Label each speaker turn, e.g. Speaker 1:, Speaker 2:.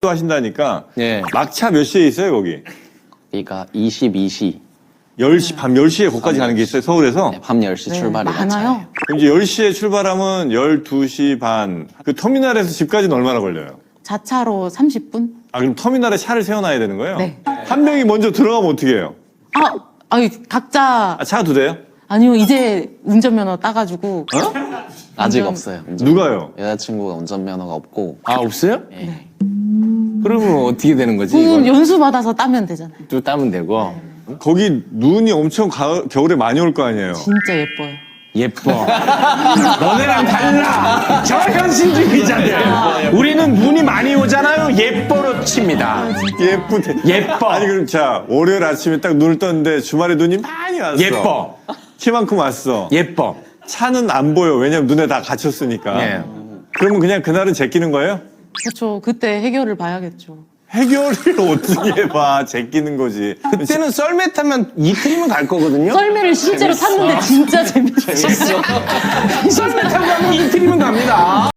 Speaker 1: 또 하신다니까.
Speaker 2: 예.
Speaker 1: 막차 몇 시에 있어요, 거기?
Speaker 2: 그러니까 22시.
Speaker 1: 10시, 밤 10시에 거기까지 가는 게 있어요, 서울에서?
Speaker 2: 네, 밤 10시 출발이
Speaker 3: 많아요.
Speaker 1: 그럼 이제 10시에 출발하면 12시 반. 그 터미널에서 집까지는 얼마나 걸려요?
Speaker 3: 자차로 30분?
Speaker 1: 아, 그럼 터미널에 차를 세워놔야 되는 거예요?
Speaker 3: 네.
Speaker 1: 한 명이 먼저 들어가면 어떻게 해요?
Speaker 3: 각자
Speaker 1: 아, 차가 두 대요?
Speaker 3: 아니요 이제 운전면허 따가지고
Speaker 2: 아직
Speaker 3: 운전-
Speaker 2: 없어요.
Speaker 1: 누가요?
Speaker 2: 여자친구가 운전면허가 없고.
Speaker 4: 아, 없어요?
Speaker 2: 네.
Speaker 4: 그러면 어떻게 되는 거지?
Speaker 3: 그건
Speaker 4: 이건
Speaker 3: 연수 받아서 따면 되잖아요.
Speaker 4: 또 따면 되고.
Speaker 1: 거기 눈이 엄청 겨울에 많이 올 거 아니에요?
Speaker 3: 진짜 예뻐요.
Speaker 4: 예뻐. 너네랑 달라. 저 현실주의자들. 우리는 눈이 많이 오잖아요. 예뻐로 칩니다.
Speaker 1: 예쁘대.
Speaker 4: 예뻐.
Speaker 1: 아니, 그럼 자, 월요일 아침에 딱 눈을 떴는데 주말에 눈이 많이 왔어.
Speaker 4: 예뻐.
Speaker 1: 키만큼 왔어.
Speaker 4: 예뻐.
Speaker 1: 차는 안 보여. 왜냐면 눈에 다 갇혔으니까.
Speaker 4: 예.
Speaker 1: 그러면 그냥 그날은 제끼는 거예요?
Speaker 3: 그렇죠. 그때 해결을 봐야겠죠.
Speaker 1: 해결을 어떻게 봐. 제끼는 거지.
Speaker 4: 그때는 썰매 타면 이틀이면 갈 거거든요.
Speaker 3: 썰매를 실제로 탔는데 진짜 재밌었어요.
Speaker 4: 썰매 타고 가면 이틀이면 갑니다.